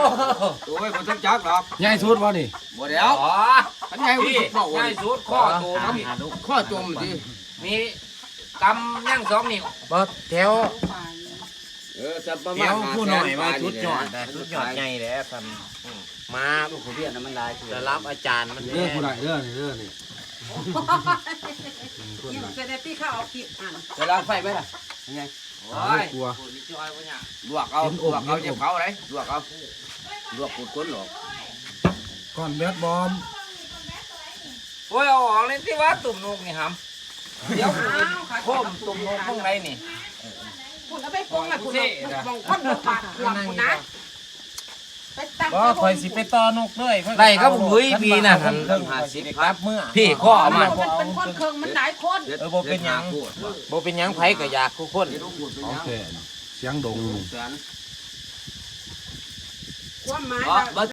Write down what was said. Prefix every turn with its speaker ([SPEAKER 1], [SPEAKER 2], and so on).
[SPEAKER 1] โอ้ยมันต้องจักหรอก
[SPEAKER 2] ใหญ่สุดบ่นี่
[SPEAKER 1] บ่เดี๋ยว
[SPEAKER 3] อ๋อ
[SPEAKER 1] อันใหญ่กว่า
[SPEAKER 3] พี่
[SPEAKER 1] สุดบอก
[SPEAKER 3] ให
[SPEAKER 1] ว่า
[SPEAKER 3] ญ่สุดข้อตัวมัน
[SPEAKER 1] ข้อจมดิ
[SPEAKER 3] มีกำยั่ง2 นิ้ว
[SPEAKER 4] บ่แถว
[SPEAKER 1] จะประ
[SPEAKER 4] แถ
[SPEAKER 1] มาณ
[SPEAKER 4] วผู้หน่อยมาชุดยอดนะชุดยอดใหญ่แหละท่านมา
[SPEAKER 1] ลูกผู้เรียนน่ะมันลาย
[SPEAKER 4] จะรับอาจารย์มัน
[SPEAKER 2] เด้อผู้ใดเด้อนี่เด้อนี่
[SPEAKER 5] นี่จะได้พี่เขาเอาคลิปอ่าน
[SPEAKER 1] จะล้างไฟไหมล่ะยังไง
[SPEAKER 3] โอ้ยนี่จอยบ่เนี่ย
[SPEAKER 1] ลวกเอาเจ็บเขาเลยลวกเอาลวกปูดก้นหรอก
[SPEAKER 2] ก้อนแบดบอม
[SPEAKER 3] โอ้ยเอาออกเลยที่ว่าตุ่มนกนี่หำเดี๋ยวโคมตุ่มนกข้างในนี่
[SPEAKER 5] คุณเอาไปปรุงนะคุณมองคนบาดหัวคุณนะไปตั้ง
[SPEAKER 4] บ่ข่อยสิไปต่อนกเลย
[SPEAKER 3] ไล่ก็บุ้ยปีน่ะหัน
[SPEAKER 4] ครับเมื่อ
[SPEAKER 3] พี่ข้อเอามา
[SPEAKER 5] มันเป็นคนเคืองมันหลายคน
[SPEAKER 4] บ่เป็นหยังไผก็อยากทุกคน
[SPEAKER 2] โอเคเสียงดง
[SPEAKER 5] ความหมาย
[SPEAKER 1] บ่